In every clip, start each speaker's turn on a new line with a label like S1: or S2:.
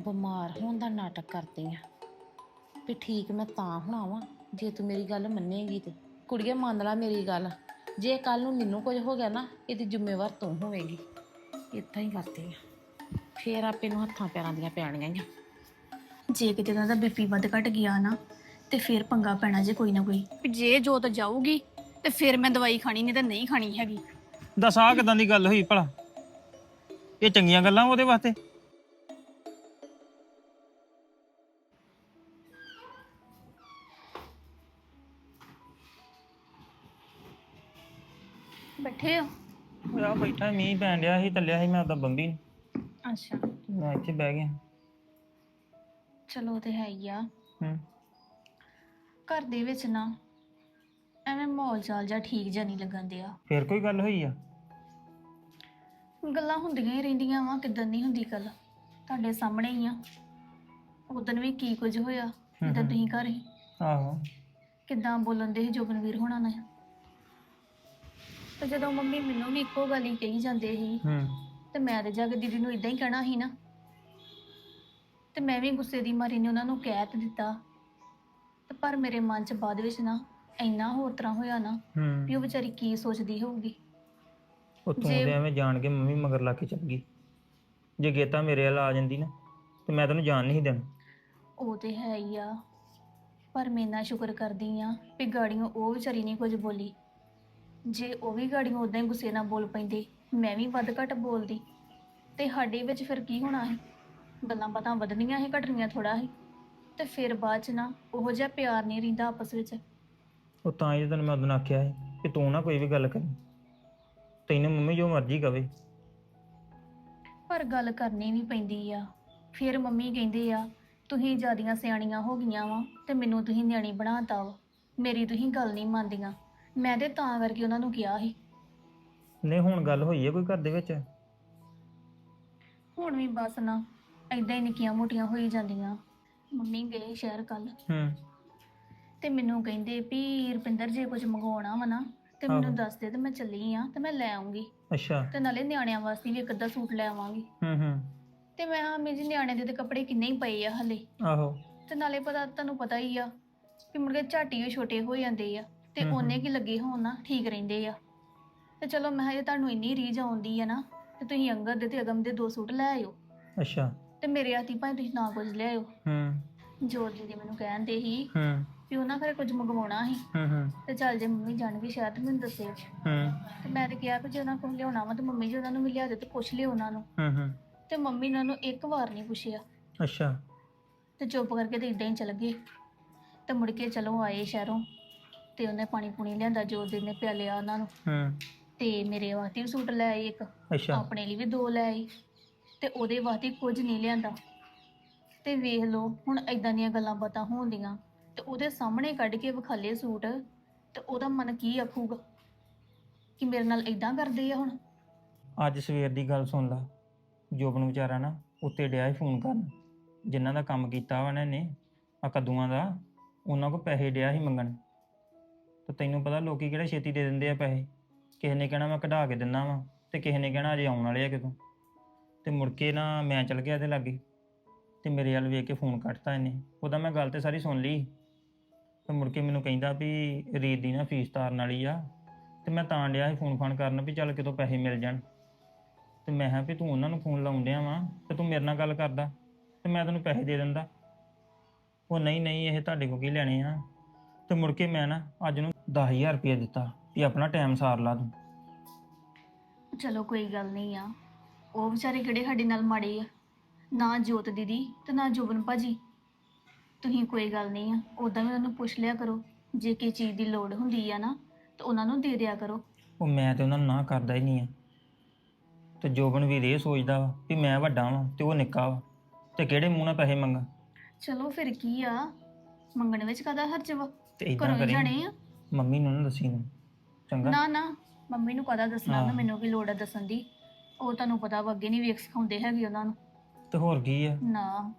S1: ਬਿਮਾਰ ਹੋਣ ਦਾ ਨਾਟਕ ਕਰਦੀ ਆ ਵੀ ਠੀਕ ਮੈਂ ਤਾਂ ਹੋਣਾ ਵਾਂ ਜੇ ਤੂੰ ਮੇਰੀ ਗੱਲ ਮੰਨੇਗੀ ਤੇ ਕੁੜੀਏ ਮੰਨ ਲਾ ਮੇਰੀ ਗੱਲ। ਜੇ ਕੱਲ ਨੂੰ ਮੈਨੂੰ ਕੁਝ ਹੋ ਗਿਆ ਨਾ ਇਹਦੀ ਜ਼ਿੰਮੇਵਾਰ ਤੂੰ ਹੋਵੇਂਗੀ। ਇਦਾਂ ਹੀ ਕਰਦੀ ਆ ਫੇਰ ਆਪੇ ਨੂੰ ਹੱਥਾਂ ਪੈਰਾਂ ਦੀਆਂ ਪੈਣੀਆਂ ਹੀ ਆ।
S2: ਜੇ ਕਿਤੇ ਉਹਨਾਂ ਦਾ ਬੀਪੀ ਵੱਧ ਘਟ ਗਿਆ ਨਾ ਤੇ ਫਿਰ ਪੰਗਾ ਪੈਣਾ ਜੇ ਕੋਈ ਨਾ ਕੋਈ ਵੀ ਜੇ ਜੋਤ ਜਾਊਗੀ ਤੇ ਫਿਰ ਮੈਂ ਦਵਾਈ ਖਾਣੀ ਨਹੀਂ ਤਾਂ ਨਹੀਂ ਖਾਣੀ ਹੈਗੀ।
S3: ਦੱਸ ਆਹ ਕਿਦਾਂ ਦੀ ਗੱਲ ਹੋਈ ਭਲਾ? ਇਹ ਚੰਗੀਆਂ ਗੱਲਾਂ ਉਹਦੇ ਵਾਸਤੇ?
S2: ਬੈਠੇ ਹੋ?
S3: ਆ ਬੈਠਾ ਮੀਂਹ ਪੈਣ ਡਿਆ ਸੀ, ਚੱਲਿਆ ਸੀ ਮੈਂ ਉਦਾਂ ਬੰਬੀ ਨੂੰ।
S2: ਅੱਛਾ
S3: ਮੈਂ ਇੱਥੇ ਬਹਿ ਗਿਆ।
S2: ਚਲੋ ਉਹ ਤੇ ਹੈ ਹੀ ਆ।
S3: ਹੂੰ।
S2: ਘਰ ਦੇ ਵਿੱਚ ਨਾ ਐਵੇਂ ਮਾਹੌਲ ਚਾਲ ਜਾਂ ਠੀਕ ਜਿਹਾ ਨਹੀਂ ਲੱਗਣ ਦਿਆ।
S3: ਫੇਰ ਕੋਈ ਗੱਲ ਹੋਈ ਆ?
S2: ਗੱਲਾਂ ਹੁੰਦੀਆਂ ਹੀ ਰਹਿੰਦੀਆਂ ਵਾ, ਕਿੱਦਾਂ ਨਹੀਂ ਹੁੰਦੀ ਗੱਲ, ਤੁਹਾਡੇ ਸਾਹਮਣੇ ਹੀ ਆ। ਉਦੋਂ ਵੀ ਕੀ ਕੁਝ ਹੋਇਆ ਜਦੋਂ ਤੁਸੀਂ ਘਰ ਸੀ।
S3: ਆਹੋ।
S2: ਕਿੱਦਾਂ ਬੋਲਣ ਦੇ ਸੀ ਜੋਬਨਵੀਰ ਹੋਣਾ ਨੇ। ਤੇ ਜਦੋਂ ਮੰਮੀ ਮੈਨੂੰ ਵੀ ਇੱਕੋ ਗੱਲ ਹੀ ਕਹੀ ਜਾਂਦੇ ਸੀ
S3: ਹੂੰ।
S2: ਤੇ ਮੈਂ ਤੇ ਜਾ ਕੇ ਦੀਦੀ ਨੂੰ ਇਦਾਂ ਹੀ ਕਹਿਣਾ ਸੀ ਨਾ। ਤੇ ਮੈਂ ਵੀ ਗੁੱਸੇ ਦੀ ਮਾਰੀ ਨੇ ਉਹਨਾਂ ਨੂੰ ਕਹਿ ਤੇ ਦਿੱਤਾ। ਤੇ ਪਰ ਮੇਰੇ ਮਨ 'ਚ ਬਾਅਦ ਵਿੱਚ ਨਾ ਇੰਨਾ ਹੋਰ ਤਰ੍ਹਾਂ ਹੋਇਆ ਨਾ ਵੀ ਉਹ ਵਿਚਾਰੀ ਕੀ ਸੋਚਦੀ ਹੋਊਗੀ।
S3: ਉੱਥੋਂ ਦੇ ਐਵੇਂ ਜਾਣ ਕੇ ਮੰਮੀ ਮਗਰ ਲਾ ਕੇ ਚੱਲ ਗਈ। ਜੇ ਗੇਤਾ ਮੇਰੇ ਵੱਲ ਆ ਜਾਂਦੀ ਨਾ ਤੇ ਮੈਂ ਤੈਨੂੰ ਜਾਣ ਨਹੀਂ ਦੇਣਾ।
S2: ਉਹ ਤੇ ਹੈ ਹੀ ਆ, ਪਰ ਮੈਂ ਇੰਨਾ ਸ਼ੁਕਰ ਕਰਦੀ ਆ ਵੀ ਗਾੜੀਆਂ ਉਹ ਵਿਚਾਰੀ ਨਹੀਂ ਕੁਝ ਬੋਲੀ। ਜੇ ਉਹ ਵੀ ਗਾੜੀਆਂ ਉਦਾਂ ਹੀ ਗੁੱਸੇ ਨਾਲ ਬੋਲ ਪੈਂਦੇ, ਮੈਂ ਵੀ ਵੱਧ ਘੱਟ ਬੋਲਦੀ ਤੇ ਸਾਡੇ ਵਿੱਚ ਫਿਰ ਕੀ ਹੋਣਾ ਸੀ? ਗੱਲਾਂ ਬਾਤਾਂ ਵਧਣੀਆਂ ਸੀ, ਘਟਣੀਆਂ ਥੋੜਾ ਸੀ। ਤੇ ਫਿਰ ਬਾਅਦ 'ਚ ਨਾ ਉਹੋ ਜਿਹਾ ਪਿਆਰ ਨਹੀਂ ਰਹਿੰਦਾ ਆਪਸ ਵਿੱਚ।
S3: ਉਹ ਤਾਂ ਹੀ ਤੈਨੂੰ ਮੈਂ ਉਦੋਂ ਆਖਿਆ ਸੀ ਕਿ ਤੂੰ ਨਾ ਕੋਈ ਵੀ ਗੱਲ ਕਰੀ, ਤੈਨੂੰ ਮੰਮੀ ਜੋ ਮਰਜ਼ੀ ਕਵੇ।
S2: ਪਰ ਗੱਲ ਕਰਨੀ ਵੀ ਪੈਂਦੀ ਆ। ਫਿਰ ਮੰਮੀ ਕਹਿੰਦੇ ਆ ਤੁਸੀਂ ਜ਼ਿਆਦੀਆਂ ਸਿਆਣੀਆਂ ਹੋ ਗਈਆਂ ਵਾ ਤੇ ਮੈਨੂੰ ਤੁਸੀਂ ਨਿਆਣੀ ਬਣਾਤਾ ਵਾ, ਮੇਰੀ ਤੁਸੀਂ ਗੱਲ ਨਹੀਂ ਮੰਨਦੀਆਂ। ਮੈਂ ਤੇ ਤਾਂ ਕਰਕੇ ਉਹਨਾਂ ਨੂੰ ਕਿਹਾ ਸੀ।
S3: ਨਹੀਂ ਹੁਣ ਗੱਲ ਹੋਈ ਹੈ ਕੋਈ ਘਰ ਦੇ ਵਿੱਚ?
S2: ਹੁਣ ਵੀ ਬਸ ਨਾ ਏਦਾਂ ਹੀ ਨਿੱਕੀਆਂ ਮੋਟੀਆਂ ਹੋਈ ਜਾਂਦੀਆਂ। ਮੰਮੀ ਗਏ ਸ਼ਹਿਰ ਕੱਲ
S3: ਹੂੰ।
S2: ਤੇ ਮੈਨੂੰ ਕਹਿੰਦੇ ਵੀ ਰੁਪਿੰਦਰ ਜੇ ਕੁਝ ਮੰਗਵਾਉਣਾ ਵਾ ਨਾ ਤੇ ਮੈਨੂੰ ਦੱਸ ਦੇ ਤੇ ਮੈਂ ਚੱਲੀ ਆ ਤੇ ਮੈਂ ਲੈ ਆਉਂਗੀ।
S3: ਅੱਛਾ।
S2: ਤੇ ਨਾਲੇ ਨਿਆਣਿਆਂ ਵਾਸਤੇ ਵੀ ਇੱਕ ਅੱਧਾ ਸੂਟ ਲੈ ਆਵਾਂਗੀ।
S3: ਹੂੰ।
S2: ਤੇ ਮੈਂ ਹਾਂ ਮੇਰੀ ਨਿਆਣੇ ਦੇ ਤੇ ਕੱਪੜੇ ਕਿੰਨੇ ਹੀ ਪਏ ਆ ਹਲੇ।
S3: ਆਹੋ।
S2: ਤੇ ਨਾਲੇ ਤੁਹਾਨੂੰ ਪਤਾ ਹੀ ਆ ਵੀ ਮੁੜ ਕੇ ਝਾਟੀ ਵੀ ਛੋਟੇ ਹੋ ਜਾਂਦੇ ਆ ਤੇ ਉਹਨੇ ਕੀ ਲੱਗੇ ਹੋਣ ਨਾ ਠੀਕ ਰਹਿੰਦੇ ਆ। ਤੇ ਚਲੋ ਮੈਂ ਜੇ ਤੁਹਾਨੂੰ ਇੰਨੀ ਰੀਝ ਆਉਂਦੀ ਆ ਨਾ ਤੇ ਤੁਸੀਂ ਅੰਗਦ ਦੇ ਤੇ ਅਗਮ ਦੇ 2 ਸੂਟ ਲੈ ਆਇਓ।
S3: ਅੱਛਾ।
S2: ਤੇ ਮੇਰੇ ਹੱਥੀ ਭਾਵੇਂ ਤੁਸੀਂ ਨਾ ਕੁਝ ਲੈ ਆਇਓ। ਜੋਤ ਜੀ ਮੈਨੂੰ ਕਹਿੰਦੇ ਸੀ ਵੀ ਉਹਨਾਂ ਘਰੇ ਕੁਝ ਮੰਗਵਾਉਣਾ ਸੀ ਤੇ ਚੱਲ ਜੇ ਮੰਮੀ ਜਾਣਗੇ ਸ਼ਾਇਦ ਤੇ ਮੈਨੂੰ ਦੱਸਿਓ। ਤੇ ਮੈਂ ਤੇ ਕਿਹਾ ਵੀ ਜੇ ਉਹਨਾਂ ਕੋਲ ਲਿਆਉਣਾ ਵਾ ਤੇ ਮੰਮੀ ਜੀ ਉਹਨਾਂ ਨੂੰ ਵੀ ਲਿਆ ਦੇ ਤੇ ਪੁੱਛ ਲਿਓ ਉਹਨਾਂ ਨੂੰ। ਤੇ ਮੰਮੀ ਨੇ ਉਹਨੂੰ ਇੱਕ ਵਾਰ ਨਹੀਂ ਪੁੱਛਿਆ।
S3: ਅੱਛਾ।
S2: ਤੇ ਚੁੱਪ ਕਰਕੇ ਤੇ ਇਦਾਂ ਹੀ ਚਲ ਗਏ। ਤੇ ਮੁੜ ਕੇ ਚਲੋ ਆਏ ਸ਼ਹਿਰੋਂ ਤੇ ਉਹਨੇ ਪਾਣੀ ਪੂਣੀ ਲਿਆਂਦਾ, ਜੋਤ ਦੀ ਨੇ ਪਿਆਲਿਆ ਉਹਨਾਂ ਨੂੰ। ਤੇ ਮੇਰੇ ਵਾਸਤੇ ਵੀ ਸੂਟ ਲੈ ਆਈ ਇੱਕ, ਆਪਣੇ ਲਈ ਵੀ 2 ਲੈ ਆਈ ਤੇ ਉਹਦੇ ਵਾਸਤੇ ਕੁਝ ਨਹੀਂ ਲਿਆਂਦਾ। ਤੇ ਵੇਖ ਲਓ ਹੁਣ ਏਦਾਂ ਦੀਆਂ ਗੱਲਾਂ ਬਾਤਾਂ ਹੋਣਦੀਆਂ ਤੇ ਉਹਦੇ ਸਾਹਮਣੇ ਕੱਢ ਕੇ ਵਿਖਾਲੇ ਸੂਟ ਤੇ ਉਹਦਾ ਮਨ ਕੀ ਆਖੂਗਾ ਕਿ ਮੇਰੇ ਨਾਲ ਏਦਾਂ ਕਰਦੇ ਆ। ਹੁਣ
S3: ਅੱਜ ਸਵੇਰ ਦੀ ਗੱਲ ਸੁਣ ਲਾ। ਜੋਬਨ ਵਿਚਾਰਾ ਨਾ ਉੱਤੇ ਡਿਆ ਸੀ ਫੋਨ ਕਰਨ, ਜਿਨ੍ਹਾਂ ਦਾ ਕੰਮ ਕੀਤਾ ਵਾ ਨੇ ਆ ਕੱਦੂਆਂ ਦਾ, ਉਹਨਾਂ ਕੋਲ ਪੈਸੇ ਡਿਆ ਸੀ ਮੰਗਣ। ਤੇ ਤੈਨੂੰ ਪਤਾ ਲੋਕੀ ਕਿਹੜਾ ਛੇਤੀ ਦੇ ਦਿੰਦੇ ਆ ਪੈਸੇ। ਕਿਸੇ ਨੇ ਕਹਿਣਾ ਮੈਂ ਕਢਾ ਕੇ ਦਿੰਦਾ ਵਾਂ ਤੇ ਕਿਸੇ ਨੇ ਕਹਿਣਾ ਅਜੇ ਆਉਣ ਵਾਲੇ ਆ ਕਿਤੋਂ। ਤੇ ਮੁੜ ਕੇ ਨਾ ਮੈਂ ਚਲ ਗਿਆ ਇਹਦੇ ਲਾਗੇ ਤੇ ਮੇਰੇ ਵੱਲ ਵੇਖ ਕੇ ਫੋਨ ਕੱਟਤਾ ਇਹਨੇ। ਉਹਦਾ ਮੈਂ ਗੱਲ ਤੇ ਸਾਰੀ ਸੁਣ ਲਈ। ਤੇ ਮੁੜ ਕੇ ਮੈਨੂੰ ਕਹਿੰਦਾ ਵੀ ਰੀਤ ਦੀ ਨਾ ਫੀਸ ਤਾਰਨ ਵਾਲੀ ਆ ਤੇ ਮੈਂ ਤਾਂ ਡਿਆ ਸੀ ਫੋਨ ਫਾਨ ਕਰਨ ਵੀ ਚੱਲ ਕਿਤੋਂ ਪੈਸੇ ਮਿਲ ਜਾਣ। ਤੇ ਮੈਂ ਕਿਹਾ ਵੀ ਤੂੰ ਉਹਨਾਂ ਨੂੰ ਫੋਨ ਲਾਉਣ ਡਿਆ ਵਾਂ ਤੇ ਤੂੰ ਮੇਰੇ ਨਾਲ ਗੱਲ ਕਰਦਾ ਤੇ ਮੈਂ ਤੈਨੂੰ ਪੈਸੇ ਦੇ ਦਿੰਦਾ। ਉਹ ਨਹੀਂ ਇਹ ਤੁਹਾਡੇ ਕੋਲ ਕੀ ਲੈਣੇ ਆ। ਤੇ ਮੁੜ ਕੇ ਮੈਂ ਨਾ ਅੱਜ ਨੂੰ 10,000 ਰੁਪਇਆ ਦਿੱਤਾ ਵੀ ਆਪਣਾ ਟਾਈਮ ਸਾਰ ਲਾ ਤੂੰ।
S2: ਚਲੋ ਕੋਈ ਗੱਲ ਨਹੀਂ ਆ, ਉਹ ਵਿਚਾਰੇ ਕਿਹੜੇ ਸਾਡੇ ਨਾਲ ਮਾੜੇ ਆ? ਨਾ ਜੋਤ ਦੀਦੀ ਤੇ ਨਾ ਜੋਬਨ ਭਾਜੀ। ਤੁਸੀਂ ਕੋਈ ਗੱਲ ਨਹੀਂ ਆ, ਉੱਦਾਂ ਵੀ ਉਹਨਾਂ ਨੂੰ ਪੁੱਛ ਲਿਆ ਕਰੋ। ਜੇ ਕਿਸੇ ਚੀਜ਼ ਦੀ ਲੋੜ ਹੁੰਦੀ ਆ ਨਾ ਤਾਂ ਉਹਨਾਂ ਨੂੰ ਦੇ ਦਿਆ ਕਰੋ।
S3: ਉਹ ਮੈਂ ਤੇ ਉਹਨਾਂ ਨੂੰ ਨਾ ਕਰਦਾ ਹੀ ਨਹੀਂ ਆ। ਤੇ ਜੋਬਨ ਵੀਰ ਇਹ ਸੋਚਦਾ ਵਾ ਵੀ ਮੈਂ ਵੱਡਾ ਵਾਂ ਤੇ ਉਹ ਨਿੱਕਾ ਵਾ ਤੇ ਕਿਹੜੇ ਮੂੰਹ ਨਾਲ ਪੈਸੇ ਮੰਗਾ।
S2: ਚਲੋ ਫਿਰ ਕੀ ਆ, ਮੰਗਣ ਵਿੱਚ ਕਾਹਦਾ ਹਰਜ ਵਾ?
S3: ਤੇ ਇਦਾਂ
S2: ਘਰੋਂ ਹੀ
S3: ਕਰੀ
S2: ਜਾਣੇ ਆ।
S3: ਮੰਮੀ ਨੂੰ ਨਾ ਦੱਸੀ ਨੂੰ ਚੰਗਾ।
S2: ਨਾ ਮੰਮੀ ਨੂੰ ਕਾਹਦਾ ਦੱਸਣਾ ਵਾ, ਮੈਨੂੰ ਕੀ ਲੋੜ ਆ ਦੱਸਣ ਦੀ। ਉਹ ਤੁਹਾਨੂੰ ਪਤਾ ਵਾ ਅੱਗੇ ਨਹੀਂ ਵੇਖ ਸਿਖਾਉਂਦੇ ਹੈਗੇ ਉਹਨਾਂ ਨੂੰ।
S3: ਤੇ ਹੋਰ ਕੀ ਆ।
S2: ਨਾ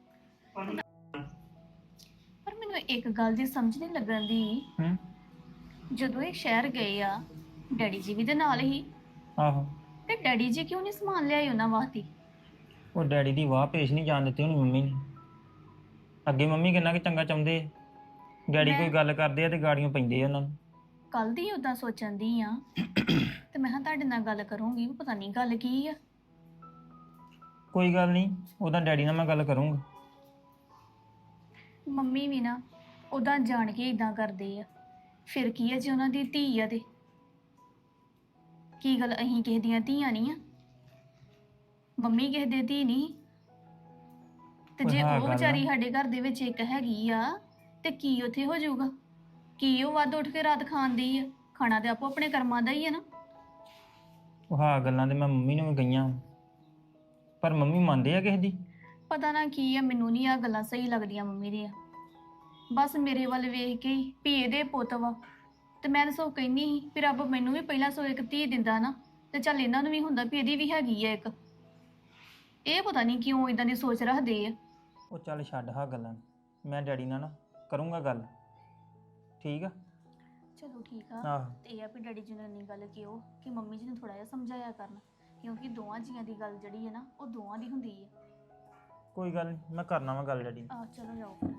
S2: ਪਰ ਮੈਨੂੰ ਇੱਕ ਗੱਲ ਦੀ ਸਮਝ ਨਹੀਂ ਲੱਗਣ ਦੀ। ਜਦੋਂ ਇਹ ਸ਼ਹਿਰ ਗਏ ਆ ਡੈਡੀ ਜੀ ਵੀ ਦੇ ਨਾਲ ਹੀ।
S3: ਆਹੋ।
S2: ਤੇ ਡੈਡੀ ਜੀ ਕਿਉਂ ਨਹੀਂ ਸਮਾਨ ਲਿਆਏ ਉਹਨਾਂ ਵਾਸਤੇ?
S3: ਉਹ ਡੈਡੀ ਦੀ ਵਾਹ ਪੇਸ਼ ਨਹੀਂ ਜਾਣ ਦਿੱਤੀ ਹੋਣੀ ਮੰਮੀ ਨੇ। ਅੱਗੇ ਮੰਮੀ ਕਿੰਨਾ ਕਿ ਚੰਗਾ ਚਾਹੁੰਦੇ ਆ, ਡੈਡੀ ਕੋਈ ਗੱਲ ਕਰਦੇ ਆ ਤੇ ਗਾੜੀਆਂ ਪੈਂਦੇ ਆ ਉਹਨਾਂ ਨੂੰ।
S2: ਕੱਲ ਦੀ ਉਦਾਂ ਸੋਚਣ ਦੀ ਆ ਤੇ ਮੈਂ ਕਿਹਾ ਤੁਹਾਡੇ ਨਾਲ ਗੱਲ ਕਰੂੰਗੀ, ਪਤਾ ਨਹੀਂ ਗੱਲ ਕੀ ਆ।
S3: ਕੋਈ ਗੱਲ ਨਹੀਂ, ਉਹਦਾ ਡੈਡੀ ਨਾਲ ਮੈਂ ਗੱਲ ਕਰੂੰਗਾ।
S2: ਮੰਮੀ ਵੀ ਨਾ ਉਦਾਂ ਜਾਣ ਕੇ ਇਦਾਂ ਕਰਦੇ ਆ, ਫਿਰ ਕੀ ਆ ਜੇ ਉਹਨਾਂ ਦੀ ਧੀ ਆ ਤੇ ਕੀ ਗੱਲ, ਅਸੀਂ ਕਿਸੇ ਦੀਆਂ ਧੀਆਂ ਨਹੀਂ ਆ? ਮੰਮੀ ਕਿਸੇ ਦੇ ਧੀ ਨਹੀਂ ਤੇ ਜੇ
S3: ਹਾਂ
S2: ਉਹ
S3: ਗੱਲ ਆ।
S2: ਵਿਚਾਰੀ ਸਾਡੇ ਘਰ ਦੇ ਵਿੱਚ ਇੱਕ ਹੈਗੀ ਆ ਤੇ ਕੀ ਉੱਥੇ ਹੋ ਜਾਊਗਾ? ਕੀ ਉਹ ਵੱਧ ਉੱਠ ਕੇ ਰਾਤ ਖਾਂਦੀ ਆ? ਖਾਣਾ ਤੇ ਆਪੋ ਆਪਣੇ ਕਰਮਾਂ ਦਾ ਹੀ ਆ ਨਾ।
S3: ਉਹ ਹਾਂ ਗੱਲਾਂ ਤੇ ਮੈਂ ਮੰਮੀ ਨੂੰ ਵੀ ਕਹੀਆਂ, ਪਰ ਮੰਮੀ ਮੰਨਦੇ ਆ ਕਿਸੇ ਦੀ।
S2: ਪਤਾ ਨਾ ਕੀ ਆ, ਮੈਨੂੰ ਨਹੀਂ ਆ ਗੱਲਾਂ ਸਹੀ ਲੱਗਦੀਆਂ ਮੰਮੀ ਦੀਆਂ। ਬਸ ਮੇਰੇ ਵੱਲ ਵੇਖ ਕੇ ਹੀ ਵੀ ਇਹਦੇ ਪੁੱਤ ਵਾ, ਤੇ ਮੈਂ ਤਾਂ ਸੋ ਕਹਿੰਦੀ ਸੀ ਵੀ ਰੱਬ ਮੈਨੂੰ ਵੀ ਪਹਿਲਾਂ ਸੋ ਇੱਕ ਧੀ ਦਿੰਦਾ ਨਾ, ਤੇ ਚੱਲ ਇਹਨਾਂ ਨੂੰ ਵੀ ਹੁੰਦਾ ਵੀ ਇਹਦੀ ਵੀ ਹੈਗੀ ਆ ਇੱਕ। ਇਹ ਪਤਾ ਨਹੀਂ ਕਿਉਂ ਇਦਾਂ ਦੀ ਸੋਚ ਰੱਖਦੇ ਆ।
S3: ਉਹ ਚੱਲ ਛੱਡ ਹਾਂ ਗੱਲਾਂ, ਮੈਂ ਡੈਡੀ ਨਾਲ ਨਾ ਕਰੂੰਗਾ ਗੱਲ, ਠੀਕ ਆ?
S2: ਚਲੋ ਠੀਕ ਆ।
S3: ਆਹ
S2: ਤੇ ਇਹ ਆ ਵੀ ਡੈਡੀ ਜੀ ਨੇ ਇੰਨੀ ਗੱਲ ਕਿਉਂ ਕਿ ਮੰਮੀ ਜੀ ਨੂੰ ਥੋੜਾ ਜਿਹਾ ਸਮਝਾਇਆ ਕਰਨ, ਕਿਉਂਕਿ ਦੋਵਾਂ ਜੀਆਂ ਦੀ ਗੱਲ ਜਿਹੜੀ ਹੈ ਨਾ ਉਹ ਦੋਵਾਂ ਦੀ ਹੁੰਦੀ ਹੈ।
S3: ਕੋਈ ਗੱਲ ਨਹੀਂ, ਮੈਂ ਕਰਨਾ ਵਾ ਗੱਲ ਡੈਡੀ ਨਾਲ।
S2: ਆਹ ਚਲੋ ਜਾਓ ਫਿਰ।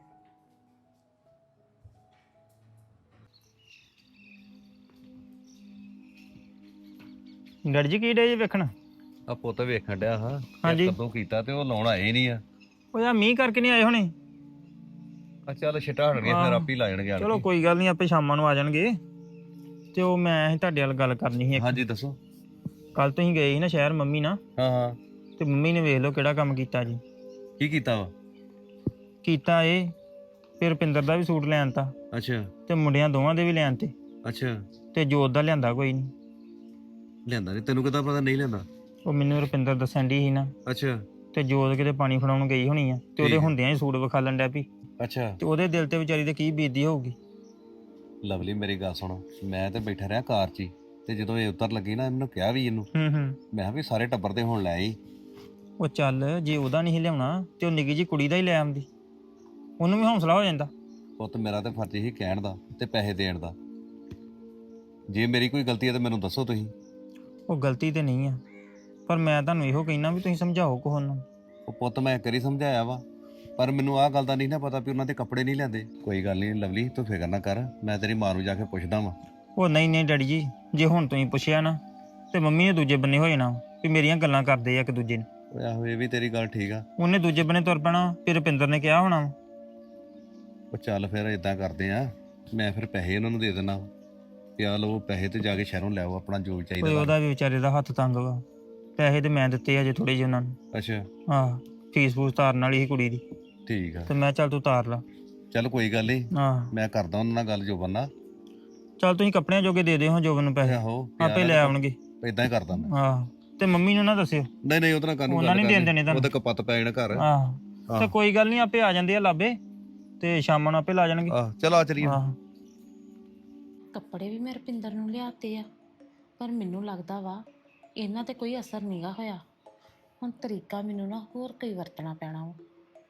S3: ਡੈਡੀ ਜੀ ਕੀ ਡੇ ਜੇ ਵੇਖਣ?
S4: ਆ ਪੁੱਤ ਵੇਖਣ ਡਿਆ ਹਾਂ
S3: ਹਾਂਜੀ।
S4: ਕਦੋਂ ਕੀਤਾ ਤੇ ਉਹ ਲਾਉਣ ਆਏ ਨਹੀਂ ਆ।
S3: ਉਹ ਯਾਰ ਮੀਂਹ ਕਰਕੇ ਨਹੀਂ ਆਏ ਹੋਣੇ।
S4: ਆ ਚੱਲ ਛਿਟਾ ਹਟ ਗਿਆ ਫਿਰ ਆਪੀ ਲਾ ਜਾਣਗੇ ਆਣ
S3: ਚਲੋ
S4: ਕੇ।
S3: ਕੋਈ ਗੱਲ ਨਹੀਂ, ਆਪੇ ਸ਼ਾਮਾਂ ਨੂੰ ਆ ਜਾਣਗੇ। ਤੇ ਉਹ ਮੈਂ ਤੁਹਾਡੇ ਨਾਲ ਗੱਲ ਕਰਨੀ ਸੀ ਇੱਕ।
S4: ਹਾਂਜੀ ਦੱਸੋ।
S3: ਕੱਲ ਤੁਸੀਂ ਗਏ ਸੀ ਨਾ ਸ਼ਹਿਰ ਮੰਮੀ ਨਾਲ,
S4: ਹਾਂ ਹਾਂ।
S3: ਤੇ ਮੰਮੀ ਨੇ ਵੇਖ ਲਓ ਕਿਹੜਾ ਕੰਮ ਕੀਤਾ ਜੀ।
S4: ਕੀ ਕੀਤਾ ਵਾ?
S3: ਕੀਤਾ ਇਹ ਫਿਰ ਰੁਪਿੰਦਰ ਦਾ ਵੀ ਸੂਟ ਲੈਣ ਤਾ,
S4: ਅੱਛਾ
S3: ਤੇ ਮੁੰਡਿਆਂ ਦੋਵਾਂ ਦੇ ਵੀ ਲੈਣ ਤੇ,
S4: ਅੱਛਾ।
S3: ਤੇ ਜੋਤ ਦਾ ਲਿਆਂਦਾ ਕੋਈ ਨਹੀਂ।
S4: ਲਿਆਂਦਾ ਨਹੀਂ? ਤੈਨੂੰ ਕਿੱਦਾਂ ਪਤਾ ਨਹੀਂ ਲਿਆਂਦਾ?
S3: ਉਹ ਮੈਨੂੰ ਰੁਪਿੰਦਰ ਦੱਸਣ ਦੀ ਸੀ ਨਾ,
S4: ਅੱਛਾ
S3: ਤੇ ਜੋਤ ਕਿਤੇ ਪਾਣੀ ਫੜਾਉਣ ਗਈ ਹੋਣੀ ਆ, ਤੇ ਉਹਦੇ
S4: ਠੀਕ ਆ।
S3: ਹੁੰਦਿਆਂ ਹੀ ਸੂਟ ਵਿਖਾਲਣ ਡਿਆ ਪਈ,
S4: ਅੱਛਾ।
S3: ਤੇ ਉਹਦੇ ਦਿਲ ਤੇ ਵਿਚਾਰੀ ਤੇ ਕੀ ਬੀਤਦੀ ਹੋਊਗੀ।
S4: ਲਵਲੀ ਮੇਰੀ ਗੱਲ ਸੁਣੋ, ਮੈਂ ਤੇ ਬੈਠਾ ਰਿਹਾ ਕਾਰ 'ਚ ਹੀ, ਤੇ ਜਦੋਂ ਇਹ ਉਤਰ ਲੱਗੀ ਨਾ ਮੈਨੂੰ ਕਿਹਾ ਵੀ ਇਹਨੂੰ,
S3: ਹੂੰ।
S4: ਮੈਂ ਕਿਹਾ ਵੀ ਸਾਰੇ ਟੱਬਰ ਤੇ ਹੁਣ ਲੈ ਆਈ।
S3: ਉਹ ਚੱਲ ਜੇ ਉਹਦਾ ਨਹੀਂ ਲਿਆਉਣਾ ਤੇ ਉਹ ਨਿੱਕੀ ਜੀ ਕੁੜੀ ਦਾ ਹੀ ਲੈ ਆਉਂਦੀ, ਉਹਨੂੰ ਵੀ ਹੌਸਲਾ ਹੋ ਜਾਂਦਾ।
S4: ਪੁੱਤ ਮੇਰਾ ਤੇ ਫਰਜ਼ ਹੀ ਕਹਿਣ ਦਾ ਤੇ ਪੈਸੇ ਦੇਣ ਦਾ। ਜੇ ਮੇਰੀ ਕੋਈ ਗਲਤੀ ਹੈ ਤਾਂ ਮੈਨੂੰ ਦੱਸੋ ਤੁਸੀਂ।
S3: ਉਹ ਗਲਤੀ ਤੇ ਨਹੀਂ ਆ, ਪਰ ਮੈਂ ਤੁਹਾਨੂੰ ਇਹੋ ਕਹਿਣਾ ਵੀ ਤੁਸੀਂ ਸਮਝਾਓ ਕੋਹ ਨੂੰ।
S4: ਉਹ ਪੁੱਤ ਮੈਂ ਕਰੀ ਸਮਝਾਇਆ ਵਾ, ਪਰ ਮੈਨੂੰ ਆਹ ਗੱਲ ਦਾ ਨਹੀਂ ਨਾ ਪਤਾ ਵੀ ਉਹਨਾਂ ਦੇ ਕੱਪੜੇ ਨਹੀਂ ਲੈਂਦੇ। ਕੋਈ ਗੱਲ ਨਹੀਂ ਲਵਲੀ, ਤੂੰ ਫਿਕਰ ਨਾ ਕਰ, ਮੈਂ ਤੇਰੀ ਮਾਂ ਨੂੰ ਜਾ ਕੇ ਪੁੱਛਦਾ ਵਾਂ।
S3: ਉਹ ਨਹੀਂ ਡੈਡੀ ਜੀ, ਜੇ ਹੁਣ ਤੁਸੀਂ ਪੁੱਛਿਆ ਨਾ ਤੇ ਮੰਮੀ ਨੇ ਦੂਜੇ ਬੰਨੇ ਹੋ ਜਾਣਾ ਵੀ ਮੇਰੀਆਂ ਗੱਲਾਂ ਕਰਦੇ ਆ ਇੱਕ ਦੂਜੇ ਨੂੰ।
S4: ਓਏ ਆਹੋ ਇਹ ਵੀ ਤੇਰੀ ਗੱਲ ਠੀਕ ਆ।
S3: ਉਹਨੇ ਦੂਜੇ ਬੰਨੇ ਤੁਰ ਪੈਣਾ, ਫਿਰ ਰੁਪਿੰਦਰ ਨੇ ਕਿਹਾ ਹੋਣਾ ਵਾ।
S4: ਉਹ ਚੱਲ ਫਿਰ ਇਦਾਂ ਕਰਦੇ ਆ, ਮੈਂ ਫਿਰ ਪੈਸੇ ਉਹਨਾਂ ਨੂੰ ਦੇ ਦੇਣਾ ਵੀ ਆਹ ਲਓ ਪੈਸੇ ਤੇ ਜਾ ਕੇ ਸ਼ਹਿਰੋਂ ਲੈ ਆਓ ਆਪਣਾ ਜੋ
S3: ਕੋਈ
S4: ਚਾਹੀਦਾ।
S3: ਉਹਦਾ ਵੀ ਵਿਚਾਰੇ ਦਾ ਹੱਥ ਤੰਗ ਵਾ, ਪੈਸੇ ਤੇ ਮੈਂ ਦਿੱਤੇ ਆ ਜੇ ਥੋੜੇ ਜਿਹੇ ਉਹਨਾਂ ਨੂੰ।
S4: ਅੱਛਾ
S3: ਆਹ ਫੀਸ ਫੂਸ ਤਾਰਨ ਵਾਲੀ ਸੀ ਕੁੜੀ ਦੀ,
S4: ਠੀਕ ਆ।
S3: ਤੇ ਮੈਂ ਚੱਲ ਤੂੰ ਤਾਰ ਲਾ।
S4: ਚੱਲ ਕੋਈ ਗੱਲ ਨਹੀਂ,
S3: ਆਹ
S4: ਮੈਂ ਕਰਦਾ ਉਹਨਾਂ ਨਾਲ ਗੱਲ ਜੋਬਨ ਨਾਲ।
S3: ਚੱਲ ਤੁਸੀਂ ਕੱਪੜਿਆਂ ਜੋਗੇ ਦੇ ਦਿਓ ਜੋਬਨ ਨੂੰ ਪੈਸੇ,
S4: ਆਹੋ
S3: ਆਪੇ ਲੈ ਆਉਣਗੇ।
S4: ਇਦਾਂ ਹੀ ਕਰਦਾ ਮੈਂ।
S3: ਆਹ ਤੇ ਮੰਮੀ ਨੂੰ ਨਾ ਦੱਸਿਓ।
S4: ਨਹੀਂ ਨਹੀਂ ਉਹਦੇ ਨਾਲ ਕਾਹਨੂੰ
S3: ਉਹਨਾਂ
S4: ਗੱਲ
S3: ਨੀ ਦੇਣ ਦੇਣੇ ਤੁਹਾਨੂੰ।
S4: ਉਹਦੇ ਕਪੱਤ ਪੈ ਜਾਣਾ ਘਰ।
S3: ਆਹ ਤੇ
S4: ਆਹ।
S3: ਕੋਈ ਗੱਲ ਨਹੀਂ, ਆਪੇ ਆ ਜਾਂਦੇ ਆ ਲਾਬੇ, ਤੇ ਸ਼ਾਮਾਂ ਨੂੰ ਆਪੇ ਲਾ ਜਾਣਗੇ।
S4: ਆਹ ਚਲ ਆ ਚਲੀਏ।
S3: ਆਹ
S1: ਕੱਪੜੇ ਵੀ ਮੈਂ ਰੁਪਿੰਦਰ ਨੂੰ ਲਿਆਤੇ ਆ, ਪਰ ਮੈਨੂੰ ਲੱਗਦਾ ਵਾ ਇਹਨਾਂ ਤੇ ਕੋਈ ਅਸਰ ਨਹੀਂਗਾ ਹੋਇਆ। ਹੁਣ ਤਰੀਕਾ ਮੈਨੂੰ ਨਾ ਹੋਰ ਕੋਈ ਵਰਤਣਾ ਪੈਣਾ ਵਾ।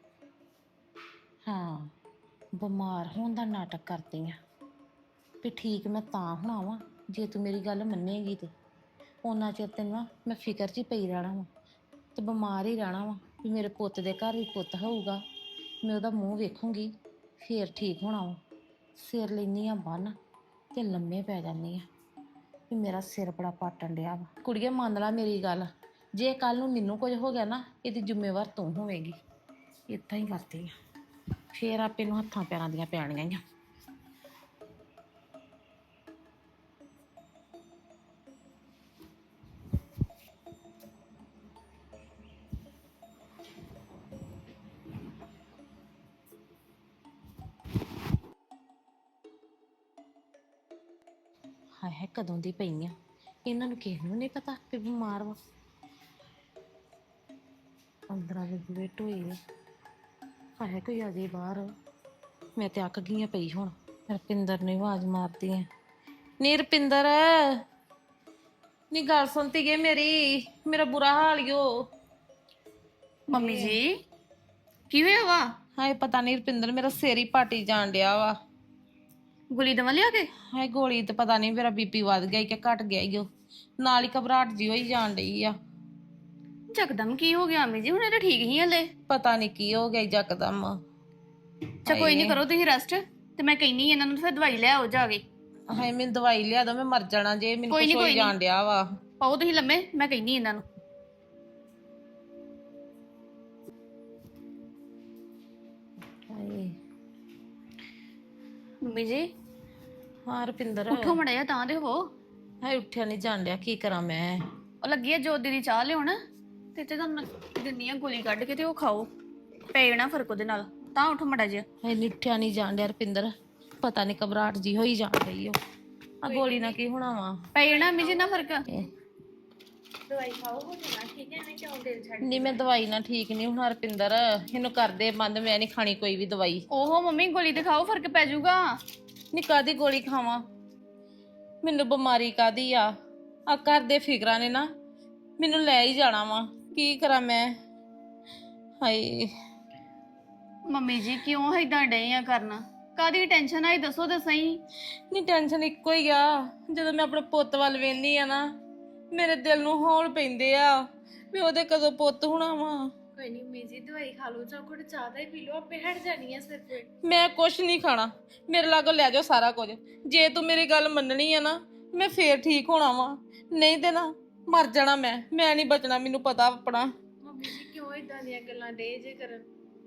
S1: ਹਾਂ, ਬਿਮਾਰ ਹੋਣ ਦਾ ਨਾਟਕ ਕਰਦੀ ਆ ਵੀ ਠੀਕ ਮੈਂ ਤਾਂ ਹੋਣਾ ਵਾ ਜੇ ਤੂੰ ਮੇਰੀ ਗੱਲ ਮੰਨੇਗੀ ਤੇ ਉਹਨਾਂ ਚਿਰ ਤੈਨੂੰ ਨਾ ਮੈਂ ਫਿਕਰ 'ਚ ਹੀ ਪਈ ਰਹਿਣਾ ਵਾ, ਤੇ ਬਿਮਾਰ ਹੀ ਰਹਿਣਾ ਵਾ ਵੀ ਮੇਰੇ ਪੁੱਤ ਦੇ ਘਰ ਵੀ ਪੁੱਤ ਹੋਊਗਾ, ਮੈਂ ਉਹਦਾ ਮੂੰਹ ਵੇਖੂੰਗੀ ਫੇਰ ਠੀਕ ਹੋਣਾ ਵਾ। ਸਿਰ ਲੈਂਦੀ ਆ ਬੰਨ ਤੇ ਲੰਮੇ ਪੈ ਜਾਂਦੀ ਆ ਵੀ ਮੇਰਾ ਸਿਰ ਬੜਾ ਪਾਟਣ ਡਿਆ ਵਾ। ਕੁੜੀਏ ਮੰਨ ਲਾ ਮੇਰੀ ਗੱਲ, ਜੇ ਕੱਲ ਨੂੰ ਮੈਨੂੰ ਕੁਝ ਹੋ ਗਿਆ ਨਾ ਇਹਦੀ ਜ਼ਿੰਮੇਵਾਰ ਤੂੰ ਹੋਵੇਂਗੀ। ਇੱਦਾਂ ਹੀ ਕਰਦੀ ਆ, ਫੇਰ ਆਪੇ ਨੂੰ ਹੱਥਾਂ ਪੈਰਾਂ ਦੀਆਂ ਪੈਣੀਆਂ ਹੀ ਆ। ਹਾਏ ਹਾਏ ਕਦੋਂ ਦੀ ਪਈ ਆ, ਇਹਨਾਂ ਨੂੰ ਕਿਸੇ ਨੂੰ ਨਹੀਂ ਪਤਾ ਵੀ ਬਿਮਾਰ ਵਾ। ਅੰਦਰਾਂ ਦੇ ਬੂਹੇ ਢੋਏ ਆ, ਹਾਏ ਕੋਈ ਆ ਜੇ ਬਾਹਰ। ਮੈਂ ਤੇ ਅੱਕ ਗਈ ਆ ਪਈ ਹੁਣ। ਰੁਪਿੰਦਰ ਨੇ ਆਵਾਜ਼ ਮਾਰਦੀ ਆ, ਨੀ ਰੁਪਿੰਦਰ ਨੀ ਗੱਲ ਸੁਣਤੀ ਗਏ ਮੇਰੀ, ਮੇਰਾ ਬੁਰਾ ਹਾਲ ਈ ਓ।
S2: ਮੰਮੀ ਜੀ ਕੀ ਹੋਇਆ ਵਾ?
S1: ਹਾਏ ਪਤਾ ਨਹੀਂ ਰੁਪਿੰਦਰ, ਮੇਰਾ ਸਿਰ ਹੀ ਪਾਟੀ ਜਾਣ ਡਿਆ ਵਾ।
S2: ਗੋਲੀ ਦਵਾ ਲਿਆ ਕੇ?
S1: ਹਾਏ ਗੋਲੀ ਤੇ ਪਤਾ ਨਹੀਂ ਮੇਰਾ ਬੀਪੀ ਵੱਧ ਗਿਆ ਈ ਕਿ ਘਟ ਗਿਆ ਈ ਓ, ਨਾਲ ਹੀ ਘਬਰਾਹਟ ਜੀ ਹੋਈ ਜਾਣ ਡਈ ਆ।
S2: ਚੱਕਦਮ ਕੀ ਹੋ ਗਿਆ ਅੰਮੀ ਜੀ? ਹੁਣ ਇਹ ਤਾਂ ਠੀਕ ਹੀ ਹਲੇ।
S1: ਪਤਾ ਨਹੀਂ ਕੀ ਹੋ ਗਿਆ ਯਕਦਮ।
S2: ਚਾ ਕੋਈ ਨਹੀਂ, ਕਰੋ ਤੁਸੀਂ ਰੈਸਟ, ਤੇ ਮੈਂ ਕਹਿੰਨੀ ਇਹਨਾਂ ਨੂੰ ਫਿਰ ਦਵਾਈ ਲੈ ਆਓ ਜਾ ਕੇ।
S1: ਹਾਏ ਮੈਨੂੰ ਦਵਾਈ ਲਿਆ ਦੋ, ਮੈਂ ਮਰ ਜਾਣਾ ਜੇ ਮੈਨੂੰ
S2: ਕੋਈ
S1: ਕੁਝ
S2: ਨੀ,
S1: ਹੋਈ
S2: ਕੋਈ ਨੀ।
S1: ਜਾਣ ਡਿਆ ਵਾ।
S2: ਪਾਓ ਤੁਸੀਂ ਲੰਮੇ, ਮੈਂ ਕਹਿੰਨੀ ਇਹਨਾਂ ਨੂੰ।
S1: ਹਾਏ
S2: ਮੰਮੀ ਜੀ
S1: ਹਾਂ ਰੁਪਿੰਦਰ,
S2: ਉੱਠੋ ਮੜਾ ਜਾ, ਤਾਂ ਦੇ ਹੋ।
S1: ਹਾਏ ਉੱਠਿਆ ਨਹੀਂ ਜਾਣ ਡਿਆ, ਕੀ ਕਰਾਂ ਮੈਂ।
S2: ਉਹ ਲੱਗੀ ਆ ਜੋਤ ਦੀ ਚਾਹ ਲਿਆਉਣ, ਤੇ ਤੁਹਾਨੂੰ ਦਿੰਨੀ ਆ ਗੋਲੀ ਕੱਢ ਕੇ, ਤੇ ਉਹ ਖਾਓ, ਪੈ ਜਾਣਾ ਫਰਕ ਉਹਦੇ ਨਾਲ। ਤਾਂ ਉੱਠੋ ਮੜਾ ਜਿਹਾ।
S1: ਹਾਏ ਨੀ ਉੱਠਿਆ ਨਹੀਂ ਜਾਣ ਡਿਆ ਰੁਪਿੰਦਰ, ਪਤਾ ਨਹੀਂ ਘਬਰਾਹਟ ਜੀ ਹੋਈ ਜਾਣ ਰਹੀ ਓ। ਆ ਗੋਲੀ ਨਾਲ ਕੀ ਹੋਣਾ ਵਾ।
S2: ਪੈ ਜਾਣਾ ਅੰਮੀ ਜੀ ਨਾ ਫਰਕ।
S1: ਦਵਾਈ ਖਾਓ ਹੋ ਜਾਣਾ ਠੀਕ ਹੈ। ਮੈਂ ਕਿਉਂ ਦਿਲ ਛੱਡ ਨਹੀਂ, ਮੈਂ ਦਵਾਈ ਨਾਲ ਠੀਕ ਨਹੀਂ ਹੁਣ ਰੁਪਿੰਦਰ, ਇਹਨੂੰ ਕਰਦੇ ਬੰਦ, ਮੈਂ ਨਹੀਂ ਖਾਣੀ ਕੋਈ ਵੀ ਦਵਾਈ।
S2: ਓਹੋ ਮੰਮੀ, ਗੋਲੀ ਤੇ ਖਾਓ, ਫਰਕ ਪੈ ਜਾਊਗਾ।
S1: ਨੀ ਕਾਦੀ ਗੋਲੀ ਖਾਵਾਂ, ਮੈਨੂੰ ਬਿਮਾਰੀ ਕਾਦੀ ਆ ਘਰ ਦੇ ਫਿਕਰਾਂ ਨੇ ਨਾ ਮੈਨੂੰ ਲੈ ਹੀ ਜਾਣਾ ਵਾ, ਕੀ ਕਰਾਂ ਮੈਂ। ਹਾਏ
S2: ਮੰਮੀ ਜੀ ਕਿਉਂ ਏਦਾਂ ਡਏ ਆ ਕਰਨਾ? ਕਾਦੀ ਟੈਨਸ਼ਨ ਆਈ ਦੱਸੋ ਤਾਂ ਸਹੀ।
S1: ਨੀ ਟੈਨਸ਼ਨ ਇੱਕੋ ਹੀ ਆ, ਜਦੋਂ ਮੈਂ ਆਪਣੇ ਪੁੱਤ ਵੱਲ ਵੇਖਦੀ ਆ ਨਾ, ਮੇਰੇ ਦਿਲ ਨੂੰ ਹੌਲ ਪੈਂਦੇ ਆ ਵੀ ਉਹਦੇ ਕਦੋਂ ਪੁੱਤ ਹੋਣਾ ਵਾ।
S5: ਕੋਈ ਨਹੀਂ ਮੀ ਜੀ, ਦਵਾਈ ਖਾ ਲਓ ਜਾਂ ਘੁੱਟ ਚਾਹ ਦਾ ਹੀ ਪੀ ਲਓ, ਆਪੇ ਹਟ ਜਾਣੀ ਆ ਸਿਰ ਪੀੜ।
S1: ਮੈਂ ਕੁਛ ਨਹੀਂ ਖਾਣਾ, ਮੇਰੇ ਲਾਗੋਂ ਲੈ ਜਾਓ ਸਾਰਾ ਕੁਝ। ਜੇ ਤੂੰ ਮੇਰੀ ਗੱਲ ਮੰਨਣੀ ਆ ਨਾ, ਮੈਂ ਫੇਰ ਠੀਕ ਹੋਣਾ ਵਾ, ਨਹੀਂ ਤੇ ਨਾ ਮਰ ਜਾਣਾ ਮੈਂ ਨਹੀਂ ਬਚਣਾ, ਮੈਨੂੰ ਪਤਾ ਆਪਣਾ।
S5: ਮੰਮੀ ਜੀ ਕਿਉਂ ਇਦਾਂ ਦੀਆਂ ਗੱਲਾਂ ਡੇ ਜੇ ਕਰਨ?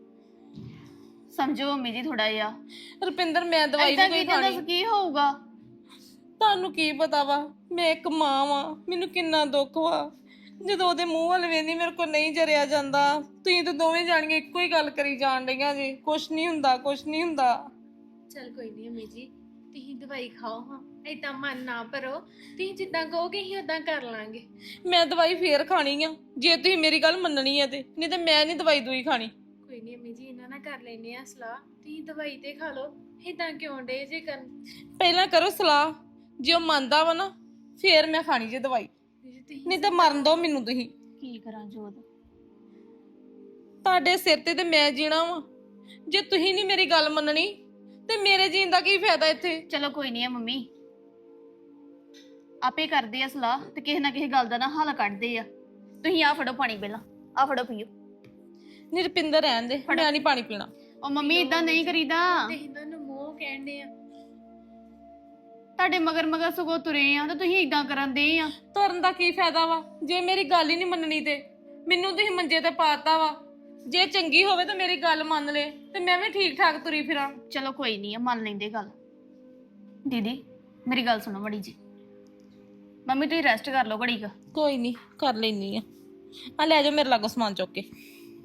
S2: ਸਮਝੋ ਮੰਮੀ ਜੀ ਥੋੜਾ ਜਿਹਾ।
S1: ਰੁਪਿੰਦਰ ਮੈਂ ਦਵਾਈ
S2: ਏਦਾਂ
S1: ਨਹੀਂ
S2: ਕੀ
S1: ਕੋਈ
S2: ਦੱਸ
S1: ਖਾਣੀ।
S2: ਕੀ ਹੋਊਗਾ?
S1: ਤੁਹਾਨੂੰ ਕੀ ਪਤਾ ਵਾ, ਮੈਂ ਇੱਕ ਮਾਂ ਵਾਂ, ਮੈਨੂੰ ਕਿੰਨਾ ਦੁੱਖ ਵਾ। ਜਦੋਂ ਉਹਦੇ ਮੂੰਹ ਵੱਲ ਵੇਖਦੀ ਮੇਰੇ ਕੋਲ ਨਹੀਂ ਜਰਿਆ ਜਾਂਦਾ। ਤੁਸੀਂ ਤਾਂ ਦੋਵੇਂ ਜਾਣੀਆਂ ਇੱਕੋ ਹੀ ਗੱਲ ਕਰੀ ਜਾਣ ਡਈਆਂ ਜੀ, ਕੁਛ ਨਹੀਂ ਹੁੰਦਾ ਕੁਛ ਨਹੀਂ ਹੁੰਦਾ।
S5: ਚਲ ਕੋਈ ਨਹੀਂ ਅਮੀ ਜੀ, ਤੁਸੀਂ ਦਵਾਈ ਖਾਓ ਹਾਂ, ਏਦਾਂ ਮਨ ਨਾ ਭਰੋ, ਤੁਸੀਂ ਜਿੱਦਾਂ ਕਹੋਗੇ ਅਸੀਂ ਉਦਾਂ ਕਰ ਲਾਂਗੇ।
S1: ਮੈਂ ਦਵਾਈ ਫੇਰ ਖਾਣੀ ਆ ਜੇ ਤੁਸੀਂ ਮੇਰੀ ਗੱਲ ਮੰਨਣੀ ਆ ਤੇ, ਨਹੀਂ ਤੇ ਮੈਂ ਨਹੀਂ ਦਵਾਈ ਦੂਈ ਖਾਣੀ।
S5: ਕੋਈ ਨਹੀਂ ਅਮੀ ਜੀ, ਇਹਨਾਂ ਨਾਲ ਕਰ ਲੈਨੇ ਆ ਸਲਾਹ, ਤੁਸੀਂ ਦਵਾਈ ਤੇ ਖਾ ਲਓ, ਏਦਾਂ ਕਿਉਂ ਡੇ ਜੇ ਕਰਨ?
S1: ਪਹਿਲਾਂ ਕਰੋ ਸਲਾਹ, ਜੇ ਉਹ ਮੰਨਦਾ ਵਾ ਨਾ ਫੇਰ ਮੈਂ ਖਾਣੀ ਜੇ ਦਵਾਈ,
S5: ਤੁਸੀਂ
S1: ਨਹੀਂ ਤਾਂ ਮਰਨ ਦੋ ਮੈਨੂੰ ਤੁਸੀਂ।
S2: ਕੀ ਕਰਾਂ ਜੋਤ?
S1: ਤੁਹਾਡੇ ਸਿਰ ਤੇ ਮੈਂ ਜੀਣਾ ਵਾ, ਜੇ ਤੁਸੀਂ ਨਹੀਂ ਮੇਰੀ ਗੱਲ ਮੰਨਣੀ ਤੇ ਮੇਰੇ ਜੀਣ ਦਾ ਕੀ ਫਾਇਦਾ ਇੱਥੇ।
S2: ਚਲੋ ਕੋਈ ਨਹੀਂ ਆ ਮੰਮੀ, ਆਪੇ ਕਰਦੇ ਆ ਸਲਾਹ, ਤੇ ਕਿਸੇ ਨਾ ਕਿਸੇ ਗੱਲ ਦਾ ਨਾ ਹੱਲ ਕੱਢਦੇ ਆ। ਤੁਸੀਂ ਆ ਫੜੋ ਪਾਣੀ, ਪਹਿਲਾਂ ਆ ਫੜੋ ਪੀਓ।
S1: ਨਿਰਪਿੰਦਰ ਰਹਿਣ ਦੇ, ਮੈਂ ਨਹੀਂ ਪਾਣੀ ਪੀਣਾ।
S2: ਉਹ ਮੰਮੀ ਇਦਾਂ ਨਹੀਂ ਕਰੀਦਾ।
S5: ਤੇ ਇਹਨਾਂ ਨੂੰ ਮੋਹ ਕਹਿੰਦੇ ਆ।
S2: ਤੁਹਾਡੇ ਮਗਰ ਮਗਰ ਸਗੋਂ ਤੁਰੇ ਆ, ਤੇ ਤੁਸੀਂ ਇਦਾਂ ਕਰਨ ਦੇ ਆ।
S1: ਤੁਰਨ ਦਾ ਕੀ ਫਾਇਦਾ ਵਾ ਜੇ ਮੇਰੀ ਗੱਲ ਹੀ ਨਹੀਂ ਮੰਨਣੀ ਤੇ? ਮੈਨੂੰ ਤੁਸੀਂ ਮੰਜੇ ਤੇ ਪਾਤਾ ਵਾ, ਜੇ ਚੰਗੀ ਹੋਵੇ ਤਾਂ ਮੇਰੀ ਗੱਲ ਮੰਨ ਲੈ ਤੇ ਮੈਂ ਵੀ ਠੀਕ ਠਾਕ ਤੁਰੀ ਫਿਰਾਂ।
S2: ਚਲੋ ਕੋਈ ਨਹੀਂ ਆ, ਮੰਨ ਲੈਂਦੇ ਗੱਲ। ਦੀਦੀ ਮੇਰੀ ਗੱਲ ਸੁਣੋ ਮੜੀ ਜੀ, ਮੰਮੀ ਤੁਸੀਂ ਰੈਸਟ ਕਰ ਲਓ ਘੜੀ ਕੁ।
S1: ਕੋਈ ਨਹੀਂ ਕਰ ਲੈਣੀ ਆ ਲੈ ਜਾਓ ਮੇਰੇ ਲਾਗੋਂ ਸਮਾਨ ਚੁੱਕ ਕੇ।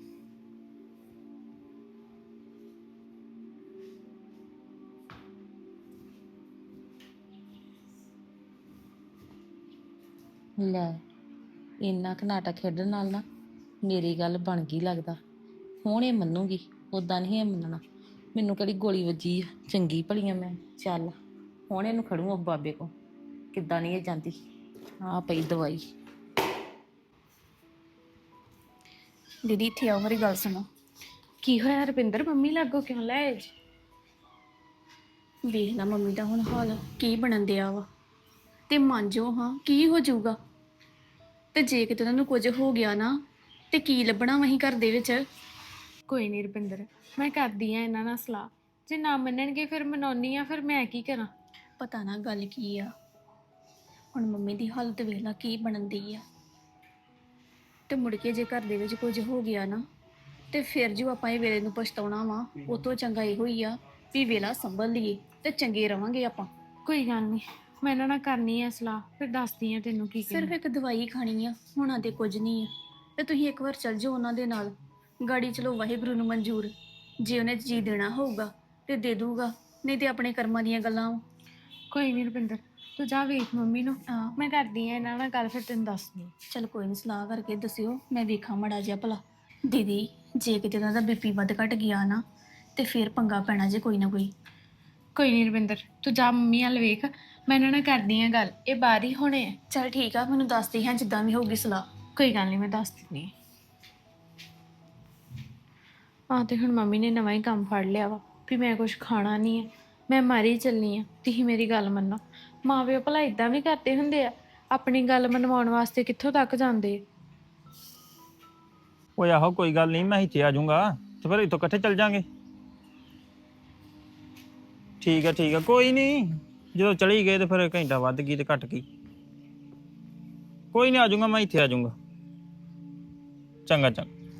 S1: ਲੈ ਇੰਨਾ ਕੁ ਨਾਟਕ ਖੇਡਣ ਨਾਲ ਨਾ ਮੇਰੀ ਗੱਲ ਬਣ ਗਈ ਲੱਗਦਾ। ਹੁਣ ਇਹ ਮੰਨੂਗੀ, ਉਦਾਂ ਨਹੀਂ ਇਹ ਮੰਨਣਾ। ਮੈਨੂੰ ਕਿਹੜੀ ਗੋਲੀ ਵੱਜੀ ਆ, ਚੰਗੀ ਭਲੀਆਂ ਮੈਂ। ਚੱਲ ਹੁਣ ਇਹਨੂੰ ਖੜੂ ਉਹ ਬਾਬੇ ਕੋ, ਕਿੱਦਾਂ ਨਹੀਂ ਇਹ ਜਾਂਦੀ। ਆ ਪਈ ਦਵਾਈ।
S2: ਦੀਦੀ ਇੱਥੇ ਆਓ, ਮੇਰੀ ਗੱਲ ਸੁਣੋ।
S5: ਕੀ ਹੋਇਆ ਰੁਪਿੰਦਰ, ਮੰਮੀ ਲਾਗੋ ਕਿਉਂ ਲੈ ਆਏ ਜੀ?
S2: ਵੇਖ ਨਾ ਮੰਮੀ ਦਾ ਹੁਣ ਹਾਲ ਕੀ ਬਣਨ ਦਿਆ ਵਾ, ਤੇ ਮੰਨ ਜਾਓ ਹਾਂ ਕੀ ਹੋ ਜਾਊਗਾ। ਤੇ ਜੇ ਕਿਤੇ ਉਹਨਾਂ ਨੂੰ ਕੁਝ ਹੋ ਗਿਆ ਨਾ, ਤੇ ਕੀ ਲੱਭਣਾ ਵਹੀਂ ਘਰ ਦੇ ਵਿੱਚ।
S5: ਕੋਈ ਨਹੀਂ ਰੁਪਿੰਦਰ, ਮੈਂ ਕਰਦੀ ਆ ਇਹਨਾਂ ਨਾਲ ਸਲਾਹ, ਜੇ ਨਾ ਮੰਨਣਗੇ ਫਿਰ ਮਨਾਉਣੀ ਆ, ਫਿਰ ਮੈਂ ਕੀ ਕਰਾਂ?
S2: ਪਤਾ ਨਾ ਗੱਲ ਕੀ ਆ, ਹੁਣ ਮੰਮੀ ਦੀ ਹਾਲਤ ਵੇਖ ਲਾ ਕੀ ਬਣਨ ਦੀ ਆ। ਤੇ ਮੁੜ ਕੇ ਜੇ ਘਰ ਦੇ ਵਿੱਚ ਕੁਝ ਹੋ ਗਿਆ ਨਾ, ਤੇ ਫਿਰ ਜੋ ਆਪਾਂ ਇਹ ਵੇਲੇ ਨੂੰ ਪਛਤਾਉਣਾ ਵਾ, ਉਹ ਤੋਂ ਚੰਗਾ ਇਹੋ ਹੀ ਆ ਵੀ ਵੇਲਾ ਸੰਭਲ ਲਈਏ ਤੇ ਚੰਗੇ ਰਵਾਂਗੇ ਆਪਾਂ।
S5: ਕੋਈ ਗੱਲ ਨਹੀਂ, ਮੈਂ ਇਹਨਾਂ ਨਾਲ ਕਰਨੀ ਆ ਸਲਾਹ, ਫਿਰ ਦੱਸਦੀ ਆ ਤੈਨੂੰ ਕੀ
S2: ਸਿਰਫ ਇੱਕ ਦਵਾਈ ਖਾਣੀ ਆ, ਹੋਣਾ ਤੇ ਕੁਝ ਨਹੀਂ ਆ। ਤੇ ਤੁਸੀਂ ਇੱਕ ਵਾਰ ਚੱਲ ਜਾਓ ਉਹਨਾਂ ਦੇ ਨਾਲ, ਗਾੜੀ ਚਲੋ ਵਾਹਿਗੁਰੂ ਨੂੰ ਮਨਜ਼ੂਰ, ਜੇ ਉਹਨੇ ਜੀ ਦੇਣਾ ਹੋਊਗਾ ਤੇ ਦੇ ਦੂਗਾ, ਨਹੀਂ ਤੇ ਆਪਣੇ ਕਰਮਾਂ ਦੀਆਂ ਗੱਲਾਂ ਵਾ।
S5: ਕੋਈ ਨਹੀਂ ਰੁਪਿੰਦਰ, ਤੂੰ ਜਾ ਵੇਖ ਮੰਮੀ ਨੂੰ, ਮੈਂ ਕਰਦੀ ਆ ਇਹਨਾਂ ਨਾਲ ਗੱਲ, ਫਿਰ ਤੈਨੂੰ ਦੱਸਦੀ।
S2: ਚਲ ਕੋਈ ਨਹੀਂ, ਸਲਾਹ ਕਰਕੇ ਦੱਸਿਓ, ਮੈਂ ਵੇਖਾਂ ਮੜਾ ਜਿਹਾ ਭਲਾ। ਦੀਦੀ ਜੇ ਕਿਤੇ ਉਹਨਾਂ ਦਾ ਬੀਪੀ ਵੱਧ ਘਟ ਗਿਆ ਨਾ, ਤੇ ਫਿਰ ਪੰਗਾ ਪੈਣਾ ਜੇ ਕੋਈ ਨਾ ਕੋਈ।
S5: ਕੋਈ ਨਹੀਂ ਰੁਪਿੰਦਰ, ਤੂੰ ਜਾ ਮੰਮੀ ਵੱਲ ਵੇਖ, ਮੈਂ ਇਹਨਾਂ ਨਾਲ ਕਰਦੀ ਆ ਗੱਲ, ਇਹ ਬਾਹਰ ਹੀ ਹੋਣੇ ਆ।
S2: ਚਲ ਠੀਕ ਆ, ਮੈਨੂੰ ਦੱਸਦੀ ਹਾਂ ਜਿੱਦਾਂ ਵੀ ਹੋਊਗੀ ਸਲਾਹ।
S5: ਕੋਈ ਗੱਲ ਨਹੀਂ, ਮੈਂ ਦੱਸ ਦਿੰਦੀ ਆ। ਤੇ ਹੁਣ ਮੰਮੀ ਨੇ ਨਵਾਂ ਹੀ ਕੰਮ ਫੜ ਲਿਆ ਵਾ ਵੀ ਮੈਂ ਕੁਝ ਖਾਣਾ ਨਹੀਂ ਹੈ, ਮੈਂ ਮਾਰੀ ਚੱਲਣੀ ਆ, ਤੁਸੀਂ ਮੇਰੀ ਗੱਲ ਮੰਨੋ। ਮਾਂ ਪਿਓ ਭਲਾ ਇਦਾਂ ਵੀ ਕਰਦੇ ਹੁੰਦੇ ਆ, ਆਪਣੀ ਗੱਲ ਮਨਵਾਉਣ ਵਾਸਤੇ ਕਿੱਥੋਂ ਤੱਕ ਜਾਂਦੇ ਆ।
S3: ਓਏ ਆਹੋ ਕੋਈ ਗੱਲ ਨਹੀਂ, ਮੈਂ ਇੱਥੇ ਆ ਜਾਊਂਗਾ ਤੇ ਫਿਰ ਇੱਥੋਂ ਇਕੱਠੇ ਚੱਲ ਜਾਾਂਗੇ। ਠੀਕ ਆ ਕੋਈ ਨਹੀਂ, ਜਦੋਂ ਚਲੀ ਗਏ ਤੇ ਫਿਰ ਘੰਟਾ ਵੱਧ ਗਈ ਤੇ ਘੱਟ ਗਈ। ਕੋਈ ਨਹੀਂ ਆ ਜਾਊਂਗਾ, ਮੈਂ ਇੱਥੇ ਆ ਜਾਊਂਗਾ। ਚੰਗਾ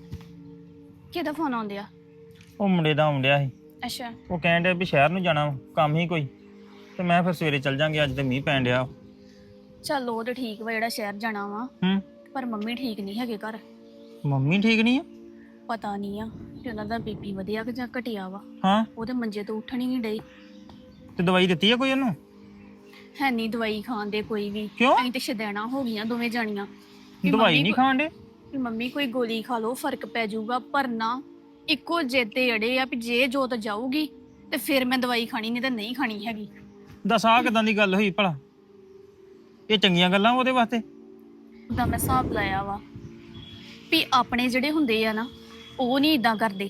S2: ਕਿਹਦਾ ਫੋਨ ਆਉਂਦਿਆ?
S3: ਉਹ ਮੁੰਡੇ ਦਾ ਆਉਂਦਿਆ ਸੀ।
S2: ਅੱਛਾ।
S3: ਉਹ ਕਹਿਣ ਡਿਆ ਵੀ ਸ਼ਹਿਰ ਨੂੰ ਜਾਣਾ ਵਾ, ਕੰਮ ਹੀ ਕੋਈ, ਤੇ ਮੈਂ ਫਿਰ ਸਵੇਰੇ ਚੱਲ ਜਾਾਂਗੇ, ਅੱਜ ਤੇ ਮੀਂਹ ਪੈਣ ਡਿਆ।
S2: ਚੱਲ ਉਹ ਤੇ ਠੀਕ ਵਾ ਜਿਹੜਾ ਸ਼ਹਿਰ ਜਾਣਾ ਵਾ,
S3: ਹੂੰ।
S2: ਪਰ ਮੰਮੀ ਠੀਕ ਨਹੀਂ ਹੈਗੇ ਘਰ।
S3: ਮੰਮੀ ਠੀਕ ਨਹੀਂ ਆ?
S2: ਪਤਾ ਨਹੀਂ ਆ ਕਿ ਉਹਨਾਂ ਦਾ ਬੀਪੀ ਵਧਿਆ ਕਿ ਜਾਂ ਘਟਿਆ ਵਾ।
S3: ਹਾਂ।
S2: ਉਹਦੇ ਮੰਜੇ ਤੋਂ ਉੱਠਣ ਹੀ ਨਹੀਂ ਡਈ।
S3: ਤੇ ਦਵਾਈ ਦਿੱਤੀ ਆ ਕੋਈ ਉਹਨੂੰ?
S2: ਹੈ ਨਹੀਂ ਦਵਾਈ ਖਾਣ ਦੇ ਕੋਈ ਵੀ।
S3: ਕਿਉਂ?
S2: ਅਸੀਂ ਤੇ ਸ਼ਦੈਣਾ ਹੋ ਗਈਆਂ ਦੋਵੇਂ ਜਾਣੀਆਂ। ਵੀ
S3: ਦਵਾਈ
S2: ਮੰਮੀ
S3: ਨਹੀਂ ਖਾਣ ਦੇ?
S2: ਵੀ ਮੰਮੀ ਕੋਈ ਗੋਲੀ ਖਾ ਲਓ ਫਰਕ ਪੈ ਜਾਊਗਾ, ਪਰ ਨਾ ਇੱਕੋ ਜਿੱਦੇ ਅੜੇ ਆ ਵੀ ਜੇ ਜੋਤ ਜਾਊਗੀ ਤੇ ਫਿਰ ਮੈਂ ਦਵਾਈ ਖਾਣੀ, ਨਹੀਂ ਤਾਂ ਨਹੀਂ ਖਾਣੀ ਹੈਗੀ।
S3: ਦੱਸ ਆਹ ਕਿਦਾਂ ਦੀ ਗੱਲ ਹੋਈ ਭਲਾ? ਇਹ ਚੰਗੀਆਂ ਗੱਲਾਂ ਉਹਦੇ ਵਾਸਤੇ?
S2: ਉਹਦਾ ਮੈਂ ਹਿਸਾਬ ਲਾਇਆ ਵਾ ਵੀ ਆਪਣੇ ਜਿਹੜੇ ਹੁੰਦੇ ਆ ਨਾ ਉਹ ਨਹੀਂ ਇਦਾਂ ਕਰਦੇ।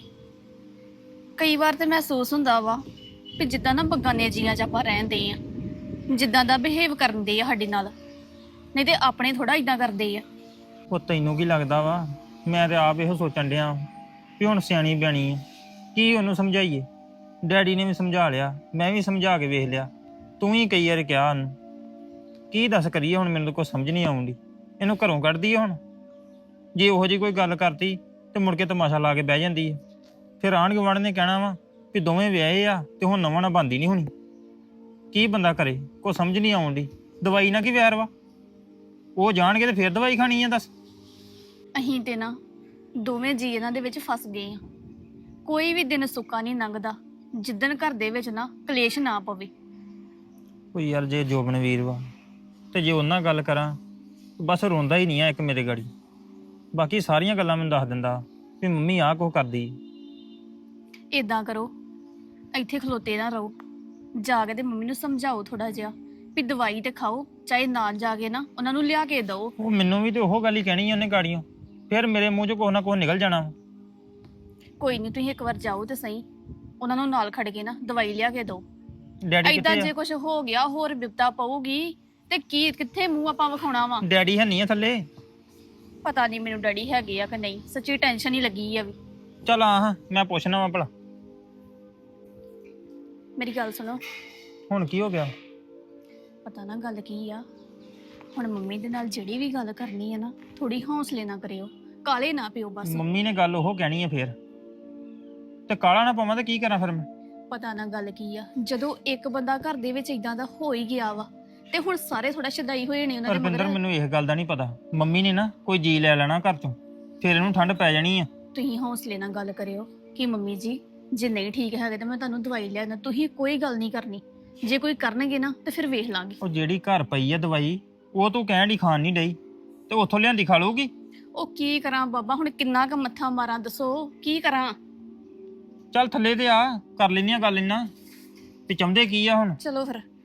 S2: ਕਈ ਵਾਰ ਤੇ ਮਹਿਸੂਸ ਹੁੰਦਾ ਵਾ ਵੀ ਜਿੱਦਾਂ ਨਾ ਬਗਾਨੇ ਜੀਆਂ 'ਚ ਆਪਾਂ ਰਹਿੰਦੇ ਆ, ਜਿੱਦਾਂ ਦਾ ਬਿਹੇਵ ਕਰਦੇ ਆ ਸਾਡੇ ਨਾਲ, ਨਹੀਂ ਤੇ ਆਪਣੇ ਥੋੜਾ ਇਦਾਂ ਕਰਦੇ ਆ।
S3: ਉਹ ਤੈਨੂੰ ਕੀ ਲੱਗਦਾ ਵਾ? ਮੈਂ ਤੇ ਆਪ ਇਹੋ ਸੋਚਣ ਡਿਆ ਵੀ ਹੁਣ ਸਿਆਣੀ ਬਿਆਣੀ ਆ, ਕੀ ਉਹਨੂੰ ਸਮਝਾਈਏ? ਡੈਡੀ ਨੇ ਵੀ ਸਮਝਾ ਲਿਆ, ਮੈਂ ਵੀ ਸਮਝਾ ਕੇ ਵੇਖ ਲਿਆ, ਤੂੰ ਹੀ ਕਈ ਵਾਰ ਕਿਹਾ ਉਹਨੂੰ। ਕੀ ਦੱਸ ਕਰੀਏ ਹੁਣ? ਮੈਨੂੰ ਤਾਂ ਕੋਈ ਸਮਝ ਨਹੀਂ ਆਉਂਦੀ। ਇਹਨੂੰ ਘਰੋਂ ਕੱਢਦੀ ਆ ਹੁਣ? ਜੇ ਉਹੋ ਜਿਹੀ ਕੋਈ ਗੱਲ ਕਰਤੀ ਤੇ ਮੁੜ ਕੇ ਤਮਾਸ਼ਾ ਲਾ ਕੇ ਬਹਿ ਜਾਂਦੀ ਹੈ। ਫਿਰ ਆਂਢ ਗੁਆਂਢ ਨੇ ਕਹਿਣਾ ਵਾ ਵੀ ਦੋਵੇਂ ਵਿਆਹੇ ਆ ਤੇ ਹੁਣ ਨਵਾਂ ਨਾ ਬਣਦੀ ਨਹੀਂ ਹੋਣੀ। ਕੀ ਬੰਦਾ ਕਰੇ? ਕੋਈ ਸਮਝ ਨਹੀਂ ਆਉਂਦੀ। ਦਵਾਈ ਨਾਲ ਕੀ ਵੈਰ ਵਾ? ਉਹ ਜਾਣਗੇ ਤੇ ਫਿਰ ਦਵਾਈ ਖਾਣੀ ਆ? ਦੱਸ।
S2: ਅਹੀਂ ਤੇ ਨਾ ਦੋਵੇਂ ਜੀ ਇਹਨਾਂ ਦੇ ਵਿੱਚ ਫਸ ਗਏ ਆ। ਕੋਈ ਵੀ ਦਿਨ ਸੁੱਕਾ ਨਹੀਂ ਲੰਘਦਾ ਜਿੱਦਣ ਘਰ ਦੇ ਵਿੱਚ ਨਾ ਕਲੇਸ਼ ਨਾ ਪਵੇ।
S3: ਕੋਈ ਯਾਰ ਜੇ ਜੋਬਨ ਵੀਰ ਵਾ ਤੇ ਜੇ ਉਹਨਾਂ ਗੱਲ ਕਰਾਂ, ਬਸ ਰੋਂਦਾ ਹੀ ਨਹੀਂ ਆ ਇੱਕ ਮੇਰੇ ਗਾੜੀ। ਬਾਕੀ ਸਾਰੀਆਂ ਗੱਲਾਂ ਮੈਨੂੰ ਦੱਸ ਦਿੰਦਾ ਵੀ ਮੰਮੀ ਆਹ ਕੁਛ ਕਰਦੀ।
S2: ਇਦਾਂ ਕਰੋ, ਇੱਥੇ ਖਲੋਤੇ ਨਾ ਰਹੋ, ਜਾ ਕੇ ਤੇ ਮੰਮੀ ਨੂੰ ਸਮਝਾਓ ਥੋੜਾ ਜਿਹਾ ਵੀ ਦਵਾਈ ਤੇ ਖਾਓ, ਚਾਹੇ ਨਾਲ ਜਾ ਕੇ ਨਾ ਉਹਨਾਂ ਨੂੰ ਲਿਆ ਕੇ ਦਿਓ।
S3: ਉਹ ਮੈਨੂੰ ਵੀ ਤੇ ਉਹ ਗੱਲ ਹੀ ਕਹਿਣੀ ਆ ਉਹਨੇ ਗਾੜੀਆਂ, ਫਿਰ ਮੇਰੇ ਮੂੰਹ 'ਚੋਂ ਕੁਛ ਨਾ ਕੁਛ ਨਿਕਲ ਜਾਣਾ।
S2: ਕੋਈ ਨਹੀਂ, ਤੁਸੀਂ ਇੱਕ ਵਾਰ ਜਾਓ ਤੇ ਸਹੀ, ਉਹਨਾਂ ਨੂੰ ਨਾਲ ਖੜ ਕੇ ਨਾ ਦਵਾਈ ਲਿਆ ਕੇ ਦਿਓ।
S3: ਡੈਡੀ
S2: ਏਦਾਂ
S3: ਕਿੱਥੇ
S2: ਜੇ
S3: ਆ?
S2: ਕੁਝ ਹੋ ਗਿਆ, ਹੋਰ ਬਿਪਤਾ ਪਊਗੀ ਤੇ ਕੀ ਕਿੱਥੇ ਮੂੰਹ ਆਪਾਂ ਵਿਖਾਉਣਾ ਵਾ?
S3: ਡੈਡੀ ਹੈ ਨਹੀਂ ਆ ਥੱਲੇ?
S2: ਪਤਾ ਨਹੀਂ ਮੈਨੂੰ ਡੈਡੀ ਹੈਗੇ ਆ ਕਿ ਨਹੀਂ, ਸੱਚੀ ਟੈਨਸ਼ਨ ਹੀ ਲੱਗੀ ਆ ਵੀ।
S3: ਚੱਲ ਆ ਹਾਂ, ਮੈਂ ਪੁੱਛਣਾ ਵਾ ਭਲਾ।
S2: ਮੇਰੀ ਗੱਲ ਸੁਣੋ।
S3: ਹੁਣ ਕੀ ਹੋ ਗਿਆ?
S2: ਪਤਾ ਨਾ ਗੱਲ ਕੀ ਆ, ਹੁਣ ਮੰਮੀ ਦੇ ਨਾਲ ਜਿਹੜੀ ਵੀ ਗੱਲ ਕਰਨੀ ਹੈ ਨਾ, ਥੋੜੀ ਹੌਸਲੇ ਨਾ ਕਰਿਓ, ਕਾਲੇ ਨਾ ਪਿਓ ਬਸ।
S3: ਮੰਮੀ ਨੇ ਗੱਲ ਉਹ ਕਹਿਣੀ ਆ ਫਿਰ, ਤੇ ਕਾਲਾ ਨਾ ਪਾਵਾਂ ਤੇ ਕੀ ਕਰਾਂ ਫਿਰ ਮੈਂ?
S2: ਪਤਾ ਨਾ ਗੱਲ ਕੀ ਆ, ਜਦੋਂ ਇੱਕ ਬੰਦਾ ਘਰ ਦੇ ਵਿੱਚ ਇਦਾਂ ਦਾ ਹੋ ਹੀ ਗਿਆ ਵਾ ਤੇ ਹੁਣ ਸਾਰੇ ਥੋੜਾ ਸ਼ਦਾਈ ਹੋਏ ਨੇ ਉਹਨਾਂ ਦੇ
S3: ਰੁਪਿੰਦਰ
S2: ਮਗਰ।
S3: ਮੈਨੂੰ ਇਸ ਗੱਲ ਦਾ ਨਹੀਂ ਪਤਾ, ਮੰਮੀ ਨੇ ਨਾ ਕੋਈ ਜੀ ਲੈ ਲੈਣਾ ਘਰ ਚੋਂ, ਫਿਰ ਇਹਨੂੰ ਠੰਡ ਪੈ ਜਾਣੀ ਆ।
S2: ਤੁਸੀਂ ਹੌਸਲੇ ਨਾਲ ਗੱਲ ਕਰਿਓ ਕਿ ਮੰਮੀ ਜੀ ਜੇ ਨਹੀਂ ਠੀਕ ਹੈਗੇ ਤਾਂ ਮੈਂ ਤੁਹਾਨੂੰ ਦਵਾਈ ਲਿਆ ਦਿੰਦਾ, ਤੁਸੀਂ ਕੋਈ ਗੱਲ ਨਹੀਂ ਕਰਨੀ। ਜੇ ਕੋਈ ਕਰਨਗੇ ਨਾ ਤੇ ਫਿਰ ਵੇਖ ਲਾਂਗੇ।
S3: ਉਹ ਜਿਹੜੀ ਘਰ ਪਈ ਆ ਦਵਾਈ, ਉਹ ਤੂੰ ਕਹਿਣ ਦੀ ਖਾਣ ਨਹੀਂ ਡਈ, ਤੇ ਉੱਥੋਂ ਲਿਆਂਦੀ ਖਾ ਲਊਗੀ।
S2: ਉਹ ਕੀ ਕਰਾਂ ਬਾਬਾ, ਹੁਣ ਕਿੰਨਾ ਕੁ ਮੱਥਾ ਮਾਰਾਂ ਦੱਸੋ, ਕੀ ਕਰਾਂ?
S3: ਚੱਲ ਥੱਲੇ ਤੇ ਆ, ਕਰ ਲੈਂਦੀ ਆ ਗੱਲ ਇਹਨਾਂ, ਤੇ ਚਾਹੁੰਦੇ ਕੀ ਆ ਹੁਣ?
S2: ਚਲੋ ਫਿਰ।